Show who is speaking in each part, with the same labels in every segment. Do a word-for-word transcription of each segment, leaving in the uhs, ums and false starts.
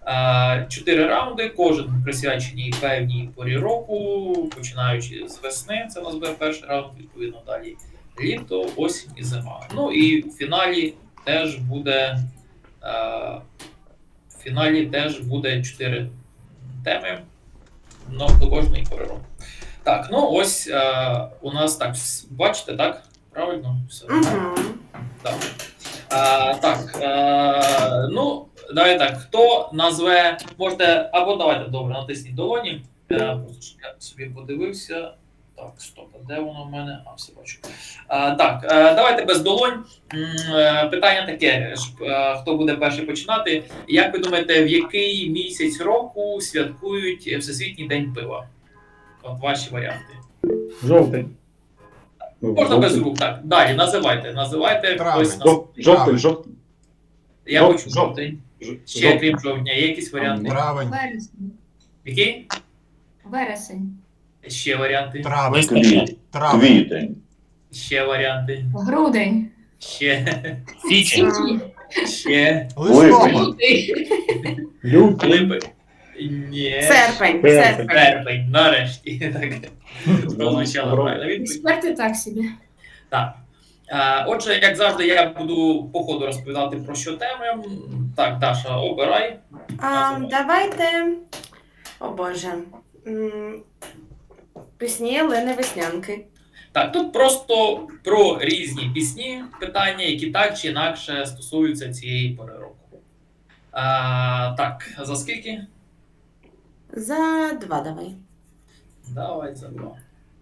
Speaker 1: Е, Чотири раунди, кожен присвячений певній порі року, починаючи з весни, це у нас буде перший раунд, відповідно далі літо, осінь і зима. Ну і в фіналі теж буде е, в фіналі теж буде чотири теми, ну, до кожної пори року. Так, ну ось е, у нас так, бачите, так? Правильно? Все.
Speaker 2: Угу.
Speaker 1: Так. Е, так, е, ну, давайте так, хто назве, можете, або давайте, добре, натисніть долоні. Е, просто щоб я собі подивився. Так, стоп, а де воно в мене? А, все бачу. Е, так, е, давайте без долонь. Е, питання таке, е, хто буде перший починати. Як ви думаєте, в який місяць року святкують Всесвітній день пива? От ваші варіанти.
Speaker 3: Жовтий.
Speaker 1: Можна без рук, так. Далі, називайте, називайте.
Speaker 4: Травень.
Speaker 1: Хтось нас...
Speaker 3: Жовтий, жовтий.
Speaker 1: Я
Speaker 3: Жов-
Speaker 1: почув жовтий.
Speaker 3: Ж-
Speaker 1: Ще,
Speaker 3: жовтий.
Speaker 1: крім жовтня, є якісь варіанти?
Speaker 4: Травень.
Speaker 5: Вересень.
Speaker 1: Які?
Speaker 5: Вересень.
Speaker 1: Ще варіанти?
Speaker 4: Травень.
Speaker 6: Квіт,
Speaker 4: Травень.
Speaker 6: квітень,
Speaker 1: Ще варіанти?
Speaker 5: Грудень.
Speaker 1: Ще.
Speaker 7: Січень.
Speaker 5: Січень.
Speaker 1: Ще.
Speaker 4: Листопад.
Speaker 5: Лютий.
Speaker 3: Лютий.
Speaker 1: Липи. Ні.
Speaker 2: Серпень.
Speaker 3: Серпень.
Speaker 2: Серпень.
Speaker 1: Серпень, нарешті. Так. Прозвучало правильно відповідь.
Speaker 5: Експерти так собі.
Speaker 1: Так. Е, Отже, як завжди, я буду по ходу розповідати про що теми. Так, Даша, обирай.
Speaker 2: А, давайте. О Боже. М, Пісні Лени Веснянки.
Speaker 1: Так, тут просто про різні пісні питання, які так чи інакше стосуються цієї пори року. А, так, за скільки?
Speaker 2: За два давай.
Speaker 1: Давай за два.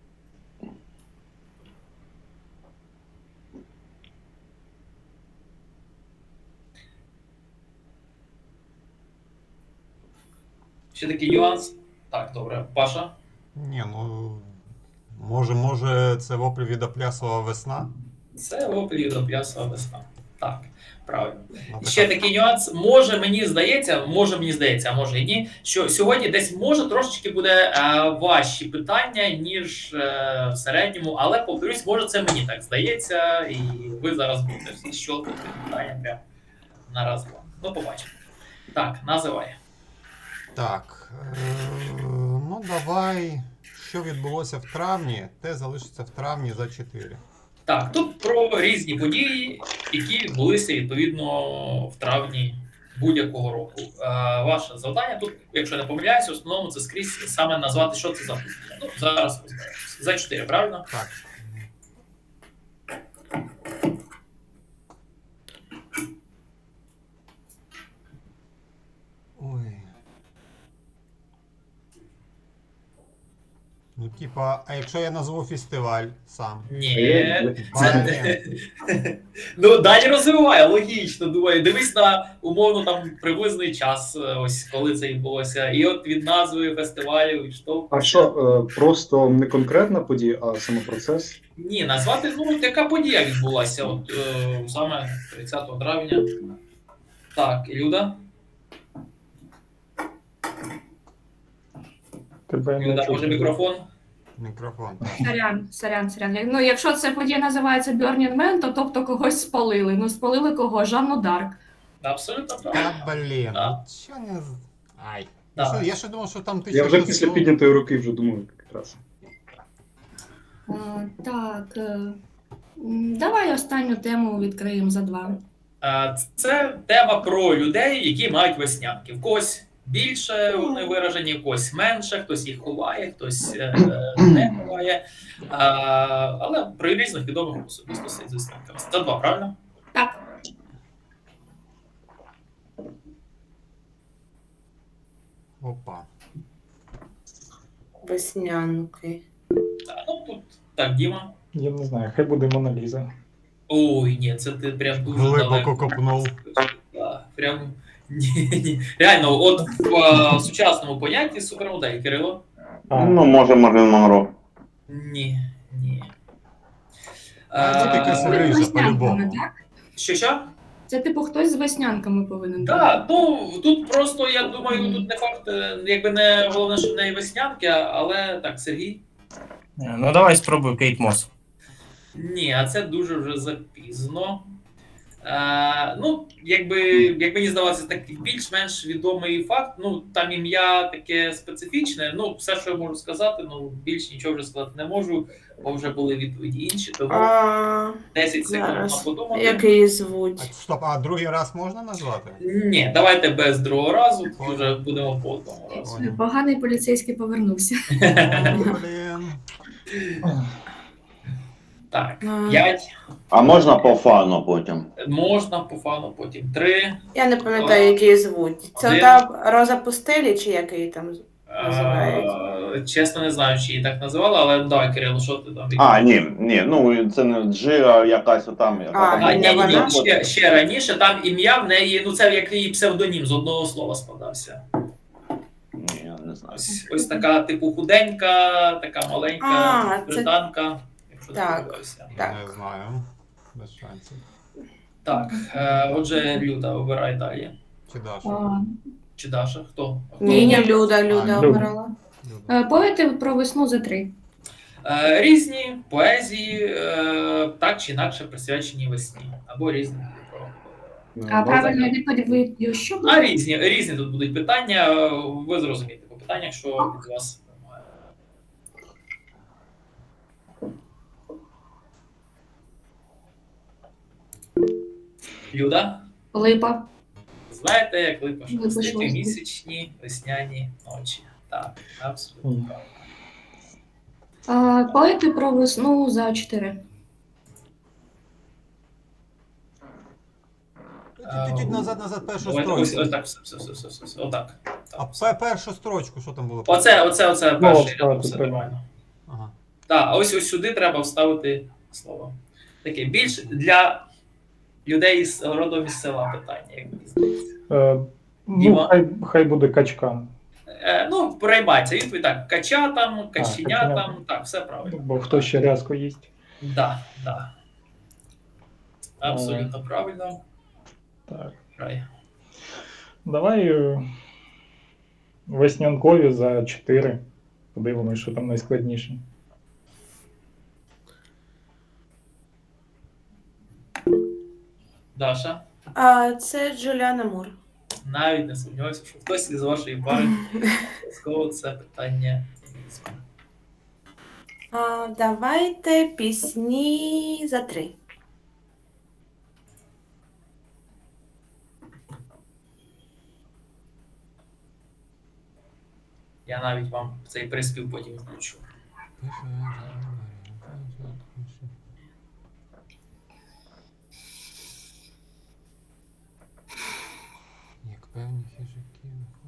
Speaker 1: Ще такий нюанс. Так, добре. Паша?
Speaker 4: Ні, ну може, може, це воплі від Оплясова весна.
Speaker 1: Це опелі до п'ясова весна. Так, правильно.
Speaker 4: Ну,
Speaker 1: Ще
Speaker 4: така-
Speaker 1: такий нюанс. Може, мені здається, може мені здається, а може і ні, що сьогодні десь може трошечки буде е, важчі питання, ніж е, в середньому, але повторюсь, може це мені так здається, і ви зараз будете всі щолкати питання прямо на раз два. Ну, побачимо. Так, називай.
Speaker 4: Так. Е- ну давай. Що відбулося в травні, те залишиться в травні за чотири.
Speaker 1: Так, тут про різні події, які відбулися відповідно в травні будь-якого року. Е, ваше завдання тут, якщо не помиляюся, в основному це скрізь саме назвати, що це за подія. Ну, зараз розберемося. За чотири, правильно?
Speaker 4: Так. Ой. Ну, типа, а якщо я назву фестиваль сам?
Speaker 1: Ні.
Speaker 4: Це...
Speaker 1: Ну, далі розвиває, логічно, думаю. Дивись на умовно там приблизний час, ось коли це відбулося. І от від назви фестивалю відштовхується.
Speaker 3: А що, е, просто не конкретна подія, а саме процес?
Speaker 1: Ні, назвати, ну, яка подія відбулася, от е, саме тридцятого травня. Так, Люда?
Speaker 3: Тебе не
Speaker 1: Люда,
Speaker 3: чути.
Speaker 1: може мікрофон?
Speaker 4: Мікрофон.
Speaker 5: Сорян, сорян, сорян. Ну, якщо це подія називається Burning Man, то тобто когось спалили. Ну, спалили кого? Жанну Дарк.
Speaker 1: Абсолютно правильно.
Speaker 4: Та блін,
Speaker 1: Да.
Speaker 4: от що не з- Ай.
Speaker 1: Да.
Speaker 4: Я, що, я ще думав, що там
Speaker 3: Я
Speaker 4: тисяча
Speaker 3: вже після піднятої руки вже думаю, якраз.
Speaker 5: А, так. е, м, Давай останню тему відкриємо за два.
Speaker 1: Е, Це тема про людей, які мають веснянки. В когось більше вони виражені, в когось менше, хтось їх ховає, хтось е, не ховає. Е, Але про різних відомих особистостей з веснянками. Це два, правильно?
Speaker 5: Так.
Speaker 4: Опа.
Speaker 2: Веснянки.
Speaker 1: Так, ну тут так, Діма.
Speaker 3: Я не знаю, хай буде Мона Ліза.
Speaker 1: Ой, ні, це ти прям дуже
Speaker 4: Глибоко
Speaker 1: далеко.
Speaker 4: копнув.
Speaker 1: Так, прям ні, ні. Реально, от в е, сучасному понятті супермодель, Кирило.
Speaker 3: А,
Speaker 6: ну може Марлен Монро.
Speaker 1: Ні, ні.
Speaker 4: А, це таке
Speaker 1: Е,
Speaker 4: собі.
Speaker 5: З
Speaker 4: Рижа,
Speaker 5: веснянками,
Speaker 4: по-любому.
Speaker 5: так?
Speaker 1: Що що?
Speaker 5: Це типу хтось з веснянками повинен бути.
Speaker 1: Так, ну тут просто я думаю, тут не факт, е, якби не головне, що в неї веснянки, але так, Сергій.
Speaker 7: Ну давай спробуй Кейт Мос.
Speaker 1: Ні, а це дуже вже запізно. Е, ну, якби, як мені здавалося, такий більш-менш відомий факт. Ну, там ім'я таке специфічне. Ну, все, що я можу сказати, ну, більш нічого вже сказати не можу, бо вже були відповіді інші, тому
Speaker 2: А,
Speaker 1: десять секунд на
Speaker 2: зараз.
Speaker 1: подумати.
Speaker 2: Як її
Speaker 4: А,
Speaker 2: звуть?
Speaker 4: стоп, а другий раз можна назвати?
Speaker 1: Ні, давайте без другого разу,
Speaker 4: Понял.
Speaker 1: вже будемо по одному разу.
Speaker 4: Понял.
Speaker 5: Поганий поліцейський повернувся.
Speaker 4: О, блін.
Speaker 1: Так,
Speaker 2: А.
Speaker 1: п'ять.
Speaker 6: А можна по фану потім?
Speaker 1: Можна по фану, потім три.
Speaker 2: Я не пам'ятаю, як її звуть. Це
Speaker 1: Один.
Speaker 2: та Роза Пустелі, чи як її там?
Speaker 1: Е, Чесно, не знаю, чи її так називали, але давай, Кирило, що ти там?
Speaker 6: А, ні, ні, ну це не Джира якась отам. Яка
Speaker 2: А,
Speaker 6: там
Speaker 1: А, ні, ні,
Speaker 2: вона?
Speaker 1: ні, ще, ще раніше, там ім'я в неї, ну це як її псевдонім з одного слова складався.
Speaker 6: Ні, я не знаю.
Speaker 1: Ось, ось така, типу, худенька, така маленька
Speaker 2: А, це-
Speaker 1: британка, якщо
Speaker 2: Так.
Speaker 1: не помилився.
Speaker 2: Так.
Speaker 4: Не знаю. Без шансів.
Speaker 1: Так, е, отже, Люда, обирай далі.
Speaker 4: Чи Даша?
Speaker 5: А,
Speaker 1: Чи Даша? Хто? Хто?
Speaker 2: Ні, ні, Люда, Люда
Speaker 4: А,
Speaker 3: Люда.
Speaker 2: обирала.
Speaker 4: Люда.
Speaker 5: е, Поети про весну за три.
Speaker 1: Е, Різні поезії, е, так чи інакше присвячені весні. Або різні. про-
Speaker 3: Ну,
Speaker 5: А
Speaker 3: да.
Speaker 5: правильно відповідь, що
Speaker 1: А
Speaker 5: буде?
Speaker 1: різні, різні тут будуть питання. е, Ви зрозумієте по питаннях, що від вас вимагає. Люда,
Speaker 5: Липа.
Speaker 1: знаєте, як липа
Speaker 5: Липа
Speaker 1: шелестить
Speaker 5: шелестить.
Speaker 1: місячні весняні ночі. Так, абсолютно
Speaker 3: Мгм.
Speaker 1: правильно.
Speaker 5: А, Поети про весну за чотири.
Speaker 4: Чуть-чуть назад, назад першу
Speaker 1: Давайте ось,
Speaker 4: строчку.
Speaker 1: ось так, все, все, все, все, все, все, отак.
Speaker 4: А пе- першу строчку, що там було?
Speaker 1: Оце, оце, оце
Speaker 3: Ну,
Speaker 1: перший
Speaker 3: вставити
Speaker 1: рядок, все
Speaker 3: треба.
Speaker 1: нормально.
Speaker 4: Ага.
Speaker 1: Так, а ось ось сюди треба вставити слово. Таке більш для людей з родом із села питання, як мені здається.
Speaker 7: Е, ну,
Speaker 1: Діма?
Speaker 7: хай, хай буде качкан.
Speaker 1: Е, ну, переймається відповідь так. Кача там, каченя
Speaker 7: каченя.
Speaker 1: там, так, все правильно.
Speaker 7: Бо хто ще рязко їсть.
Speaker 1: Да, да. Абсолютно правильно.
Speaker 7: Так.
Speaker 1: Грай.
Speaker 7: Давай е, веснянкові за чотири. Подивимось, що там найскладніше.
Speaker 1: Даша,
Speaker 2: А, це Джуліана Мур.
Speaker 1: навіть не сумніваюся, що хтось із вашої пари обов'язково це питання візьме.
Speaker 2: А, давайте пісні за три.
Speaker 1: Я навіть вам цей приспів потім включу.
Speaker 4: Як певні хижаки.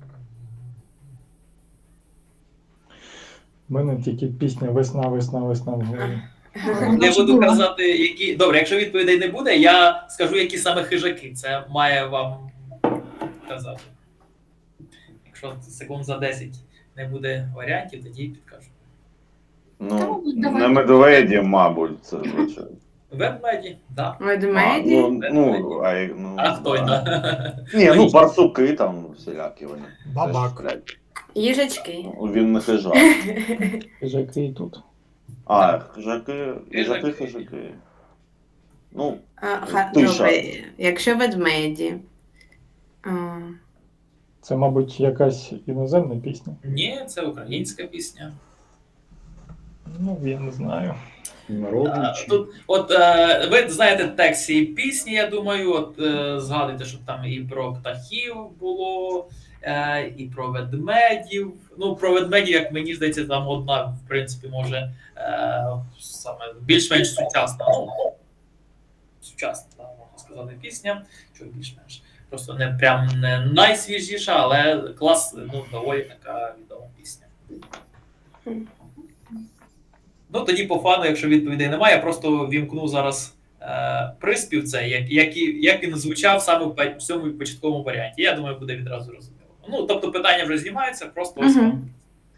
Speaker 7: У мене тільки пісня Весна, весна, весна в голові.
Speaker 1: Не буду казати, які. Добре, якщо відповідей не буде, я скажу, які саме хижаки. Це має вам казати. Якщо секунд за десять не буде варіантів, тоді підкажу.
Speaker 6: Ну,
Speaker 5: Та, давай.
Speaker 6: не медведі, мабуть, це звичайно.
Speaker 1: Ведмеді, так.
Speaker 6: А,
Speaker 2: Ведмеді.
Speaker 6: ну, ну, а, як- ну,
Speaker 1: А хто
Speaker 6: да.
Speaker 1: да.
Speaker 6: Ні, ну барсуки там всілякі вони.
Speaker 4: Бабак.
Speaker 6: Теж, блядь,
Speaker 2: Їжачки.
Speaker 6: він не хижак.
Speaker 7: Хижаки і тут.
Speaker 6: А, хижаки, хижаки,
Speaker 1: Хижаки.
Speaker 6: хижаки. Ну,
Speaker 2: А, ха,
Speaker 6: Тиша.
Speaker 2: добре, якщо ведмеді. А,
Speaker 7: Це, мабуть, якась іноземна пісня.
Speaker 1: Ні, це українська пісня.
Speaker 7: Ну, я не знаю.
Speaker 3: Народний
Speaker 1: А,
Speaker 3: чи-
Speaker 1: Тут, от е, ви знаєте текст цієї пісні, я думаю, от е, згадуйте, щоб там і про птахів було, е, і про ведмедів. Ну, про ведмедів, як мені здається, там одна, в принципі, може е, саме більш-менш сучасна. Ну, сучасна, так, можна сказати, пісня, що більш-менш. Просто не прям не найсвіжіша, але клас, ну, доволі така відома пісня. Ну, тоді по фану, якщо відповідей немає, я просто вімкну зараз е, приспів, це, як, як, і- як він звучав саме в пе- в цьому початковому варіанті. Я думаю, буде відразу розуміло. Ну, тобто питання вже знімаються, просто ось
Speaker 2: Мгм.
Speaker 1: вам.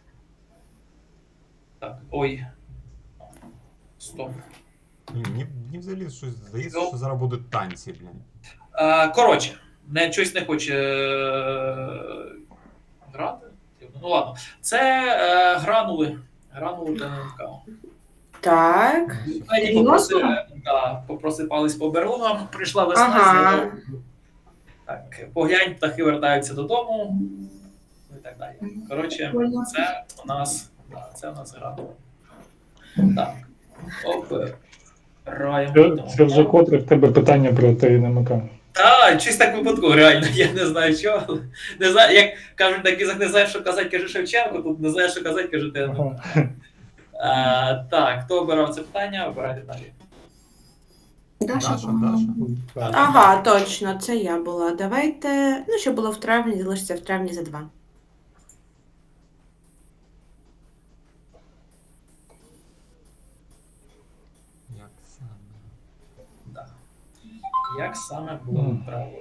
Speaker 1: Так, ой. Стоп.
Speaker 4: Ні, Мені, мені взагалі щось здається, що зараз будуть танці, блін.
Speaker 1: Е, коротше, не, щось не хоче е, грати. Ну ладно. Це е, гранули. Гранули ДНК.
Speaker 2: так.
Speaker 1: Мені попросили, да, да, попросипались по берлогам, прийшла весна.
Speaker 2: Ага.
Speaker 1: зелена. Так, поглянь, птахи вертаються додому. Ну і так далі. Коротше, це у нас, да, це у нас гра. Так. Обираємо.
Speaker 7: Це, це вже котре в тебе питання про Т Н М К.
Speaker 1: Так, чись так випадково, реально, я не знаю чого. Не знаю, як кажуть, так ізак не знаєш, що казати, каже Шевченко, тут не знаєш, що казати, каже ти.
Speaker 7: Ага.
Speaker 1: А, так, хто обирав це питання, обирайте далі.
Speaker 5: Даша,
Speaker 4: Даша,
Speaker 5: по-моєму.
Speaker 4: Даша.
Speaker 2: Ага, точно, це я була. Давайте. Ну, що було в травні, залишиться в травні за два.
Speaker 4: Як саме?
Speaker 1: Да. Як саме було
Speaker 7: Мгм.
Speaker 1: правильно?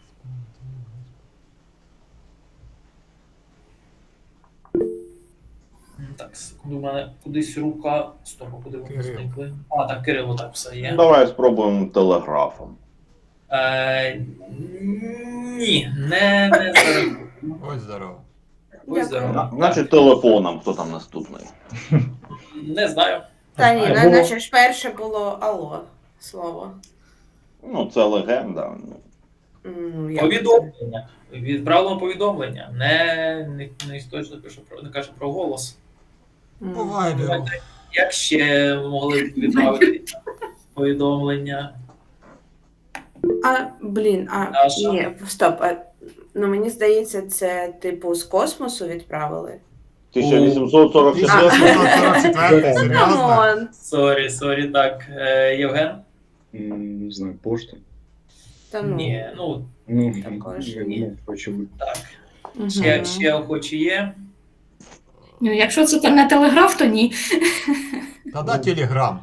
Speaker 1: М, Так, секунду, у мене кудись рука. Стоп, а куди вони
Speaker 4: Кирил.
Speaker 1: зникли? А, так, Кирило, так все є.
Speaker 6: Давай спробуємо телеграфом.
Speaker 1: Е, ні, не, не зараз.
Speaker 4: Ось здорово.
Speaker 1: Ось зараз.
Speaker 6: На- Значить, телефоном, хто там наступний.
Speaker 1: Не знаю.
Speaker 2: Та ні,
Speaker 7: А,
Speaker 2: на-
Speaker 7: було-
Speaker 2: наче ж перше було алло слово.
Speaker 6: Ну, це легенда.
Speaker 2: Ну, як
Speaker 1: Повідомлення. Відправлено повідомлення. Не, не, не точно пише про не каже про голос.
Speaker 2: це? М.
Speaker 4: По вайберу.
Speaker 1: Як ще могли б відправити повідомлення?
Speaker 2: А, блін, а
Speaker 1: А що?
Speaker 2: ні, стоп. А, ну мені здається, це типу з космосу відправили.
Speaker 6: тисяча вісімсот сорок четвертий.
Speaker 4: тисяча сорок четвертий, серйозно?
Speaker 2: Камон.
Speaker 1: Сорі, сорі, так. Е, Євген?
Speaker 3: М, Не знаю, пошта.
Speaker 2: Та ну.
Speaker 1: Ні, ну
Speaker 3: Ну,
Speaker 2: Також
Speaker 3: я
Speaker 1: ні.
Speaker 3: думав, очевидно.
Speaker 1: так.
Speaker 2: Мгм.
Speaker 1: Ще, ще охочі є.
Speaker 5: Ну, якщо це не телеграф, то ні.
Speaker 4: Тоді телеграм.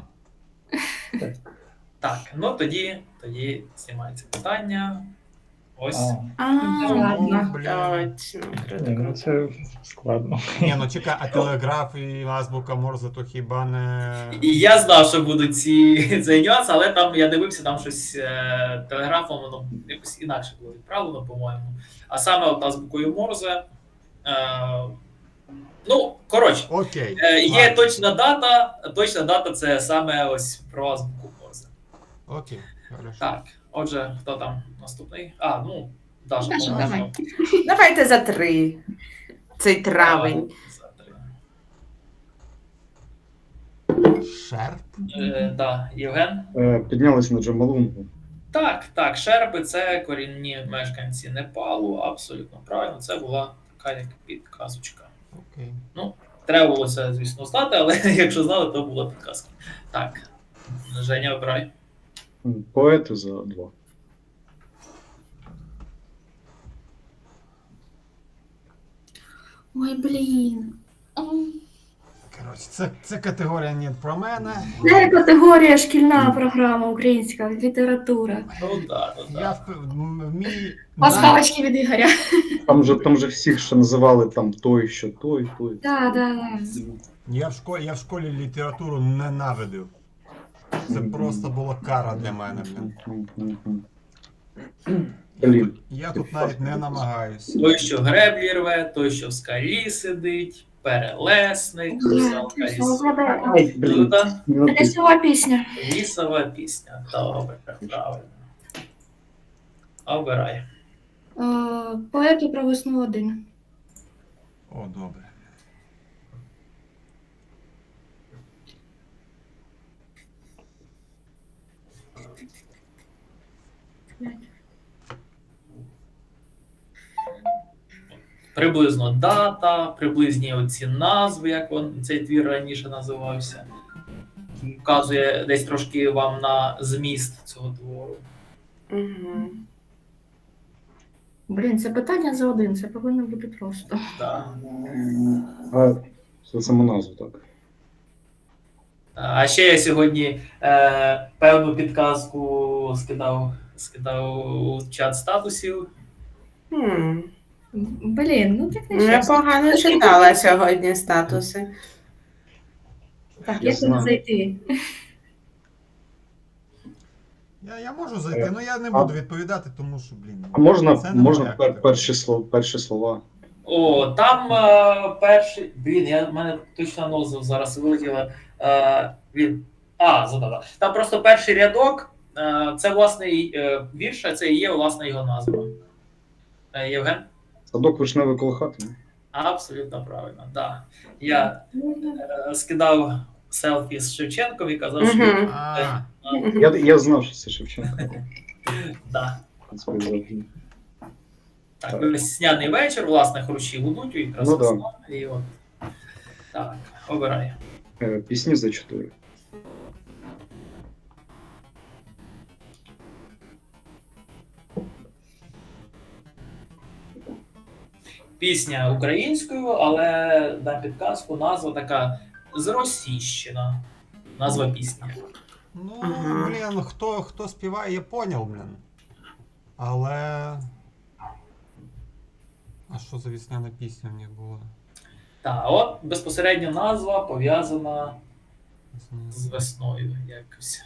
Speaker 1: Так, ну тоді, тоді знімається питання. Ось.
Speaker 7: А,
Speaker 2: А,
Speaker 4: Ну,
Speaker 2: ладно.
Speaker 4: блін.
Speaker 2: Точно. Круто,
Speaker 7: ні, ну
Speaker 2: круто.
Speaker 7: це складно.
Speaker 4: Ні, ну чекай, а телеграф і азбука Морзе, то хіба не...
Speaker 1: І я знав, що будуть ці цей нюанс, але там я дивився, там щось е, телеграфом, воно якось інакше було відправлено, по-моєму. А саме от азбукою Морзе. Е, ну, коротше,
Speaker 4: Окей.
Speaker 1: е, є
Speaker 4: ладно.
Speaker 1: точна дата. Точна дата це саме ось про азбуку Морзе.
Speaker 4: Окей, хорошо.
Speaker 1: Так, отже, хто там наступний? А, ну, Даша,
Speaker 5: Даша,
Speaker 1: по-моєму.
Speaker 5: давай.
Speaker 2: Давайте за три. Цей травень.
Speaker 1: За три.
Speaker 4: Шерп?
Speaker 1: Е, да, Євген?
Speaker 3: Е, Піднялись на Джамалунгу.
Speaker 1: Так, так, шерпи це корінні мешканці Непалу, абсолютно правильно. Це була така як підказочка.
Speaker 4: Окей.
Speaker 1: Треба було це, звісно, знати, але якщо знали, то була підказка. Так, Женя, обирай.
Speaker 3: М, Поети за два.
Speaker 5: Ой, блін. М.
Speaker 4: Коротше, це, це категорія не про мене.
Speaker 5: Це категорія шкільна програма українська література.
Speaker 1: Ну да, ну
Speaker 4: Я
Speaker 1: да.
Speaker 4: в, м- мій...
Speaker 5: Пасхалочки від Ігоря.
Speaker 3: Там же, там же всіх ще називали там той, що той, той.
Speaker 5: Так, так.
Speaker 4: Я в школі, я в школі літературу ненавидив. Це просто була кара для мене. Блін.
Speaker 3: М, м, м. Блін.
Speaker 4: Я тут навіть не намагаюся.
Speaker 1: Той, що греблі рве, той, що в скалі сидить, перелесник, русалка із
Speaker 3: Ай, блін.
Speaker 1: Люда,
Speaker 3: Ну,
Speaker 5: Це
Speaker 3: ти-
Speaker 5: лісова пісня.
Speaker 1: лісова пісня. Добре, правильно. Обирай.
Speaker 5: Е, Поети про весну один.
Speaker 4: О, добре.
Speaker 1: Приблизно дата, приблизні оці назви, як він, цей твір раніше називався. Вказує десь трошки вам на зміст цього твору.
Speaker 2: Угу.
Speaker 5: Блін, це питання за один, це повинно бути просто.
Speaker 1: Да.
Speaker 3: А, це саму назву, так.
Speaker 1: А ще я сьогодні е, певну підказку скидав, скидав у чат статусів.
Speaker 2: Хм.
Speaker 5: Блін, ну так не
Speaker 2: Я
Speaker 5: чесно.
Speaker 2: погано читала сьогодні статуси.
Speaker 5: Так,
Speaker 3: Я
Speaker 5: як туди
Speaker 3: знаю.
Speaker 5: зайти?
Speaker 4: Я, я можу зайти, але я не буду відповідати, тому що, блін.
Speaker 3: А можна,
Speaker 4: це не
Speaker 3: можна
Speaker 4: моя
Speaker 3: пер,
Speaker 4: категорія.
Speaker 3: перші, слова, перші слова.
Speaker 1: О, там е, перший. Блін, я в мене точно назва зараз вилетіла. Е, він А, задала. Там просто перший рядок, е, це власний е, вірш, а це і є власне його назва. Е, Євген?
Speaker 3: Садок вишневий коло хати.
Speaker 1: Абсолютно правильно, да. Я е, скидав селфі з Шевченком і казав, що
Speaker 2: Мгм.
Speaker 4: А,
Speaker 3: Я, я знав, що це Шевченко.
Speaker 1: да.
Speaker 3: В принципі, завжди.
Speaker 1: Так,
Speaker 3: Так.
Speaker 1: весняний вечір, власне, хрущі гудуть, і якраз
Speaker 3: Ну да.
Speaker 1: весна, і от. Так, обирай.
Speaker 3: Е, Пісні за чотири.
Speaker 1: Пісня українською, але на підказку назва така зросійщена. Назва пісні.
Speaker 4: ну,
Speaker 2: Ага.
Speaker 4: блін, хто, хто співає, я поняв, блін. Але. А що за весняна пісня в них була?
Speaker 1: Так, от безпосередньо назва пов'язана з весною якось.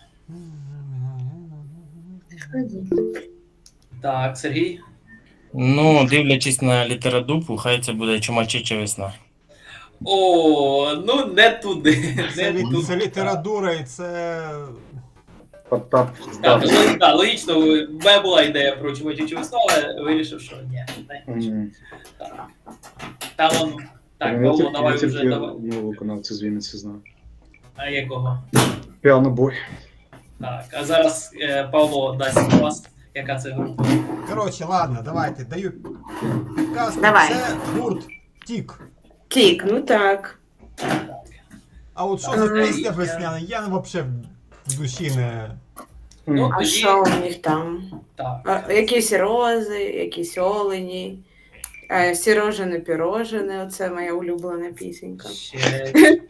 Speaker 1: Так, Сергій.
Speaker 8: Ну, дивлячись на літературу, хай це буде чумачича весна.
Speaker 1: О, ну не туди.
Speaker 4: Це,
Speaker 1: Не
Speaker 4: лі-
Speaker 1: туди.
Speaker 4: це література і це.
Speaker 3: Потап
Speaker 1: Так,
Speaker 3: здався.
Speaker 1: ну, так, логічно, у мене була ідея про чумачичу весну, але вирішив, що ні. не хочу.
Speaker 3: Мгм.
Speaker 1: Так. Там он. Так,
Speaker 3: Я
Speaker 1: Павло,
Speaker 3: тільки-
Speaker 1: давай
Speaker 3: я
Speaker 1: вже
Speaker 3: тільки
Speaker 1: давай.
Speaker 3: одного виконавця з Вінниці знаю.
Speaker 1: А якого?
Speaker 3: Піанобой.
Speaker 1: Так, а зараз е, Павло дасть вас, яка це група.
Speaker 4: Коротше, ладно, давайте, даю підказку.
Speaker 2: Давай.
Speaker 4: Це гурт Тік.
Speaker 2: Тік, ну так.
Speaker 4: А от що за
Speaker 2: Ага.
Speaker 4: пісня весняна, я взагалі в душі не.
Speaker 1: Ну,
Speaker 2: А
Speaker 1: тоді-
Speaker 2: що у них там?
Speaker 1: Так.
Speaker 2: А, якісь рози, якісь олені, е, сірожене пірожене, оце моя улюблена пісенька.
Speaker 1: Ще...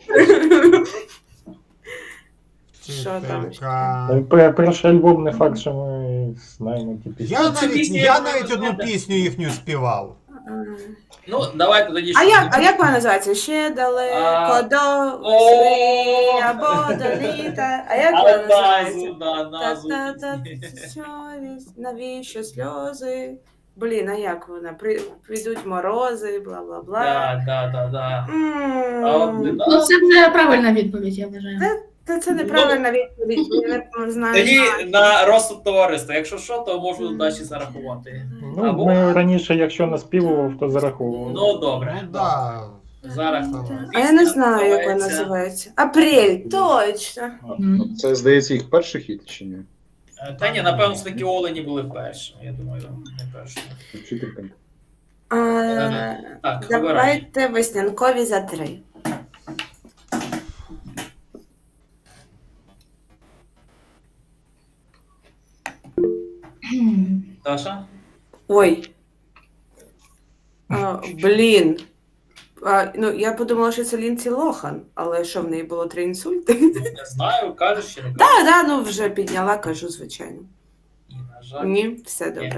Speaker 2: Що там ще?
Speaker 4: Вчителька.
Speaker 7: Та й пе- Перший альбом не факт, що ми знаємо ті пісні.
Speaker 4: Я
Speaker 1: Ну, це
Speaker 4: навіть,
Speaker 1: пісня,
Speaker 4: я
Speaker 1: яку
Speaker 4: навіть
Speaker 1: ви
Speaker 4: одну
Speaker 1: знаєте.
Speaker 4: пісню їхню співав.
Speaker 1: Ну, давайте тоді
Speaker 2: А
Speaker 1: що?
Speaker 2: як, а як вона називається? Ще далеко
Speaker 1: А,
Speaker 2: до
Speaker 1: о!
Speaker 2: сни або до літа. А як вона
Speaker 1: Але
Speaker 2: називається?
Speaker 1: назву, да, назву.
Speaker 2: Та-та-та,
Speaker 1: пісні.
Speaker 2: совість, навіщо сльози? Блін, а як вона? При, прийдуть морози, бла-бла-бла.
Speaker 1: Да, да, да, да.
Speaker 2: М,
Speaker 1: А от, да.
Speaker 5: Ну, це вже правильна відповідь, я вважаю.
Speaker 2: Та це неправильна відповідь, я не знаю.
Speaker 1: Тоді
Speaker 2: знаю.
Speaker 1: на розсуд товариства. Якщо що, то можу далі зарахувати.
Speaker 7: Ну,
Speaker 1: Або-
Speaker 7: ми раніше, якщо наспівував, то зараховував.
Speaker 1: Ну, добре.
Speaker 4: Ну да.
Speaker 1: Зараз.
Speaker 2: А я не знаю, як вона
Speaker 1: називається.
Speaker 2: називається. Апрель, точно.
Speaker 5: Мгм.
Speaker 3: Це, здається, їх перший хіт чи ні?
Speaker 1: Е, Та ні, напевно, такі олені були першими. Я думаю, не першими.
Speaker 3: Вчителька.
Speaker 2: А,
Speaker 1: Так, обирай.
Speaker 2: давайте веснянкові за три.
Speaker 1: Даша?
Speaker 2: Ой. А, блін. А, ну, я подумала, що це Лінсі Лохан, але що в неї було три інсульти?
Speaker 1: Не знаю, кажеш чи не кажеш?
Speaker 2: Так, да, ну вже підняла, кажу, звичайно.
Speaker 1: Ні, на жаль.
Speaker 2: Ні, все добре.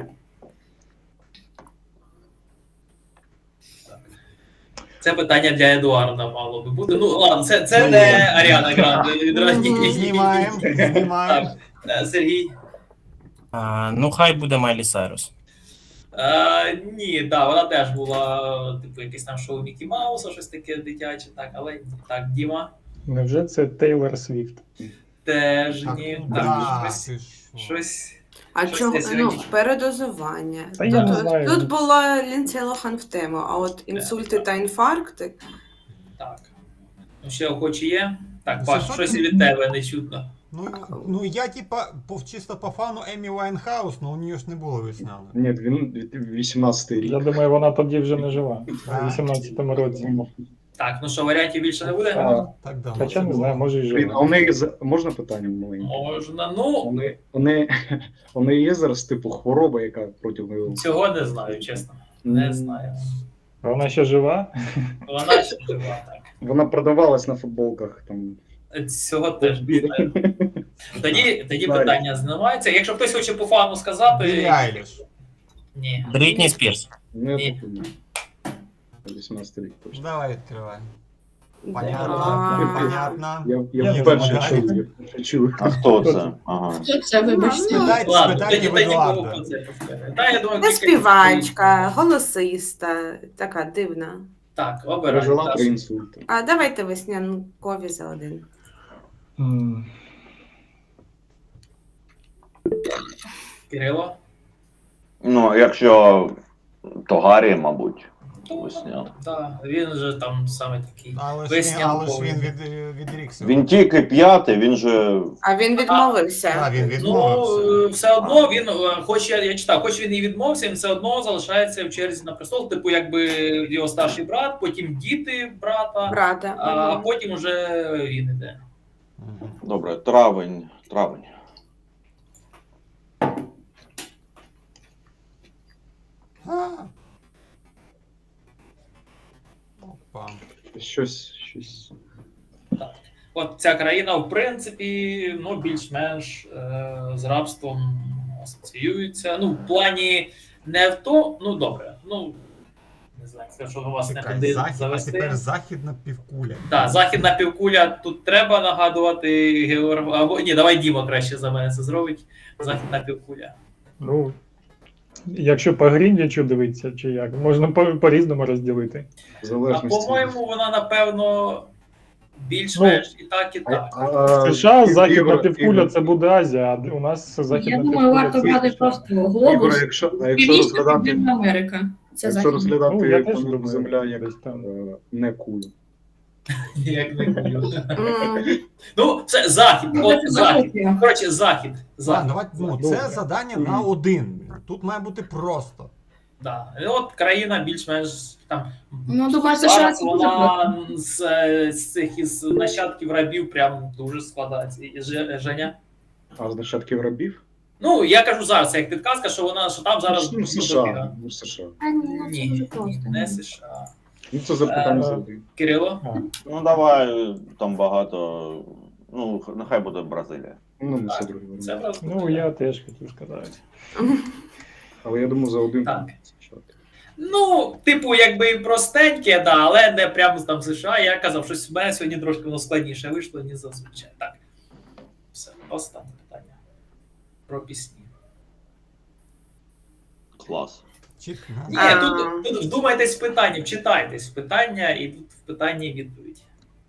Speaker 1: Це питання для Едуарда мало би бути. Ну, ладно, це, це не Аріана Гранде відразні.
Speaker 4: Знімаємо, знімаємо.
Speaker 1: Так, е, Сергій?
Speaker 8: А, ну, хай буде Майлі Сайрус.
Speaker 1: А, ні, так, да, вона теж була, типу, якесь там шоу Мікі Мауса, щось таке дитяче, так, але ні. Так, Діма?
Speaker 7: Невже це Тейлор Свіфт?
Speaker 1: Теж
Speaker 4: Так,
Speaker 1: ні.
Speaker 4: ну
Speaker 1: Так,
Speaker 4: да,
Speaker 1: щось,
Speaker 4: ти що.
Speaker 1: щось.
Speaker 2: А
Speaker 1: Щось
Speaker 2: чого?
Speaker 1: я
Speaker 2: Ну,
Speaker 1: сьогодні-
Speaker 2: передозування.
Speaker 7: Та я
Speaker 2: тут,
Speaker 7: не знаю.
Speaker 2: тут була Лінсі Лохан в тему, а от інсульти та інфаркти.
Speaker 1: Так. Ну, ще охочі є? Так,
Speaker 4: Ну,
Speaker 1: Паш,
Speaker 4: це
Speaker 1: щось
Speaker 4: що?
Speaker 1: і від тебе не чутно.
Speaker 4: Ну, ну я типа по, чисто по фану Емі Вайнхаус, але у нього ж не було весняно.
Speaker 3: Ні, він вісімнадцятий рік.
Speaker 7: Я думаю, вона тоді вже не жила.
Speaker 4: Так.
Speaker 7: У вісімнадцятому році.
Speaker 1: Так, ну що, варіантів більше не буде?
Speaker 3: А,
Speaker 4: Так да.
Speaker 7: Хоча
Speaker 4: це
Speaker 7: не
Speaker 4: було.
Speaker 7: знаю, може і
Speaker 3: Блін, а
Speaker 7: жила.
Speaker 3: у неї за- можна питання маленьке?
Speaker 1: Можна, ну,
Speaker 3: Вони, вони, у неї є зараз типу хвороба, яка проти неї.
Speaker 1: цього не знаю, чесно. Не знаю.
Speaker 7: А вона ще жива?
Speaker 1: Вона ще жива, так.
Speaker 3: Вона продавалась на футболках там.
Speaker 1: Цього теж не знаю. Тоді, тоді
Speaker 3: Знаю.
Speaker 1: питання знімається. Якщо хтось хоче по фану
Speaker 4: Біллі
Speaker 1: сказати.
Speaker 4: Айліш.
Speaker 1: Ні.
Speaker 8: Брітні Спірс.
Speaker 3: Ну, я
Speaker 1: Ні.
Speaker 3: так думаю. вісімнадцятий рік точно.
Speaker 4: Давай відкривай.
Speaker 2: А,
Speaker 4: Понятно, понятно.
Speaker 3: Я, я,
Speaker 4: Я
Speaker 3: вперше
Speaker 4: не
Speaker 3: чув.
Speaker 4: знаю.
Speaker 3: Я вперше чув.
Speaker 6: А хто це? Ага.
Speaker 5: Хто це, вибачте?
Speaker 4: Спитайте,
Speaker 1: Ладно,
Speaker 4: спитайте
Speaker 1: тоді,
Speaker 4: в
Speaker 1: тоді кого
Speaker 4: Едуарда.
Speaker 1: про це поскажете. Та, я думаю,
Speaker 2: Це
Speaker 1: кілька-
Speaker 2: співачка, голосиста, така дивна.
Speaker 1: Так, обирай.
Speaker 3: Пережила
Speaker 1: Даша.
Speaker 3: три інсульти.
Speaker 2: А давайте веснянкові за один.
Speaker 7: М,
Speaker 1: Кирило?
Speaker 6: Ну, якщо Тогарі, мабуть.
Speaker 1: Ну,
Speaker 6: Весняна.
Speaker 1: да, він же там саме такий.
Speaker 4: Але ж він,
Speaker 1: Весняна
Speaker 4: але ж він
Speaker 1: повінь.
Speaker 4: від, відрікся.
Speaker 6: Він тільки п'ятий, він же.
Speaker 2: А він відмовився.
Speaker 4: Так, він
Speaker 1: Ну,
Speaker 4: відмовився.
Speaker 1: е, все одно він, е, хоч я, я читав, хоч він і відмовився, він все одно залишається в черзі на престол, типу, якби його старший брат, потім діти брата,
Speaker 2: Брата.
Speaker 1: а
Speaker 2: Мгм.
Speaker 1: потім уже він іде.
Speaker 4: Мгм.
Speaker 6: Добре, травень. Травень.
Speaker 4: А. Опа.
Speaker 3: Щось, щось.
Speaker 1: От ця країна, в принципі, ну, більш-менш е, з рабством асоціюється. Ну, в плані не в то, ну добре, ну не знаю, це що у вас не
Speaker 4: Чекай,
Speaker 1: туди
Speaker 4: захід, а
Speaker 1: завести.
Speaker 4: тепер західна півкуля.
Speaker 1: Так, західна півкуля, тут треба нагадувати Георг. Або ні, давай Діма краще за мене це зробить. Західна півкуля.
Speaker 7: Ну, якщо по Грінвічу дивитися, чи як, можна по- по-різному розділити.
Speaker 3: В
Speaker 1: А
Speaker 3: залежності.
Speaker 1: по-моєму, вона напевно більш-менш і так, і
Speaker 3: А-
Speaker 1: так.
Speaker 3: а-
Speaker 7: США,
Speaker 3: Ігор-
Speaker 7: західна
Speaker 3: Ігор-
Speaker 7: півкуля
Speaker 3: Ігор-
Speaker 7: це буде Азія, а у нас західна
Speaker 5: Я
Speaker 7: півкуля.
Speaker 5: думаю, варто
Speaker 7: це
Speaker 5: брати
Speaker 7: США.
Speaker 5: просто
Speaker 3: Ігор,
Speaker 5: глобус.
Speaker 3: якщо, а якщо
Speaker 5: Північна
Speaker 3: розглядати,
Speaker 5: Південна Америка. Це
Speaker 3: якщо
Speaker 5: західна.
Speaker 3: розглядати
Speaker 7: Ну, я теж
Speaker 3: планету
Speaker 7: думаю,
Speaker 3: Земля як
Speaker 7: десь там.
Speaker 3: е, не кулю.
Speaker 1: Як не кулю.
Speaker 2: М.
Speaker 1: Ну, це захід, от
Speaker 5: Це
Speaker 1: захід.
Speaker 5: захід.
Speaker 1: Коротше, захід.
Speaker 4: Так,
Speaker 1: захід.
Speaker 4: давай, ну,
Speaker 7: Добре.
Speaker 4: це завдання на один. Тут має бути просто.
Speaker 1: Да. І от країна більш-менш там.
Speaker 5: Ну, думаю, США
Speaker 1: зараз
Speaker 5: це дуже просто.
Speaker 1: вона з, е, з цих із нащадків рабів прям дуже складається. І Же- Женя?
Speaker 3: А з нащадків рабів?
Speaker 1: Ну, я кажу зараз, як підказка, що вона що там зараз
Speaker 3: Ну,
Speaker 1: ну,
Speaker 3: США.
Speaker 1: дофіга.
Speaker 3: Ну, США.
Speaker 5: А, ні, ну, це
Speaker 1: Ні,
Speaker 5: дуже
Speaker 1: ні,
Speaker 5: просто.
Speaker 1: не США.
Speaker 3: Ну, це запитання
Speaker 1: Е,
Speaker 3: завжди.
Speaker 1: Кирило?
Speaker 7: А,
Speaker 6: Ну давай там багато. Ну, нехай буде Бразилія.
Speaker 3: Ну, не
Speaker 1: Так,
Speaker 3: все друге.
Speaker 1: Це просто.
Speaker 7: ну, я теж хотів сказати.
Speaker 3: Але я думаю, за один
Speaker 1: Так.
Speaker 3: там США.
Speaker 1: Ну, типу, якби простеньке, да, але не прямо там США. Я казав, що в мене сьогодні трошки воно складніше вийшло, ніж зазвичай. Так. Все, останнє питання. Про пісні.
Speaker 6: Клас.
Speaker 4: Чітко.
Speaker 1: Ні,
Speaker 2: А.
Speaker 1: тут, тут вдумайтесь в питання, вчитайтесь в питання, і тут в питанні відповідь.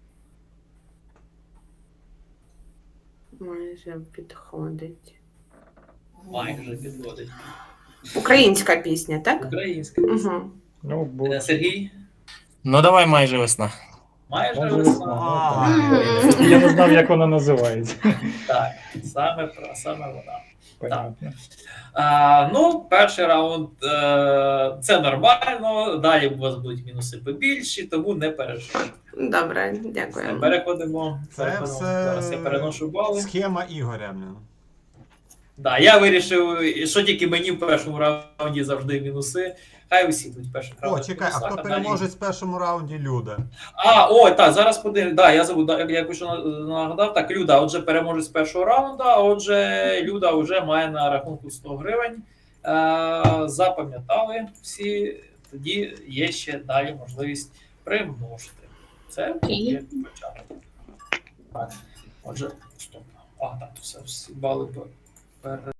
Speaker 2: Майже підходить.
Speaker 1: Майже підводить.
Speaker 2: Українська пісня, так?
Speaker 1: Українська.
Speaker 2: Угу.
Speaker 7: Ну, бо
Speaker 1: Е, Сергій?
Speaker 8: Ну давай майже весна.
Speaker 1: Майже
Speaker 7: Майже
Speaker 1: весна.
Speaker 7: весна. я не знав, як вона називається.
Speaker 1: Так, саме, про- саме вона.
Speaker 7: Понятно.
Speaker 1: А, ну, перший раунд е, це нормально. Далі у вас будуть мінуси побільші, тому не переживайте.
Speaker 2: Добре,
Speaker 1: Все,
Speaker 2: дякую.
Speaker 1: переходимо.
Speaker 4: Це
Speaker 1: переходимо.
Speaker 4: все
Speaker 1: Зараз я переношу бали.
Speaker 4: схема Ігоря. блін.
Speaker 1: Да, я вирішив, що тільки мені в першому раунді завжди мінуси. Хай усі будуть в першому
Speaker 4: О,
Speaker 1: раунді.
Speaker 4: чекай, а
Speaker 1: мінусах,
Speaker 4: хто
Speaker 1: далі-
Speaker 4: переможець в першому раунді? Люда.
Speaker 1: А, о, так, зараз подивимось. Да, я забув, да, я якось нагадав. Так, Люда, отже, переможець з першого раунду, а отже, Люда вже має на рахунку сто гривень. Е, запам'ятали всі, тоді є ще далі можливість примножити. Це є початок. Так, отже, стоп. А, так, все, всі бали. пер-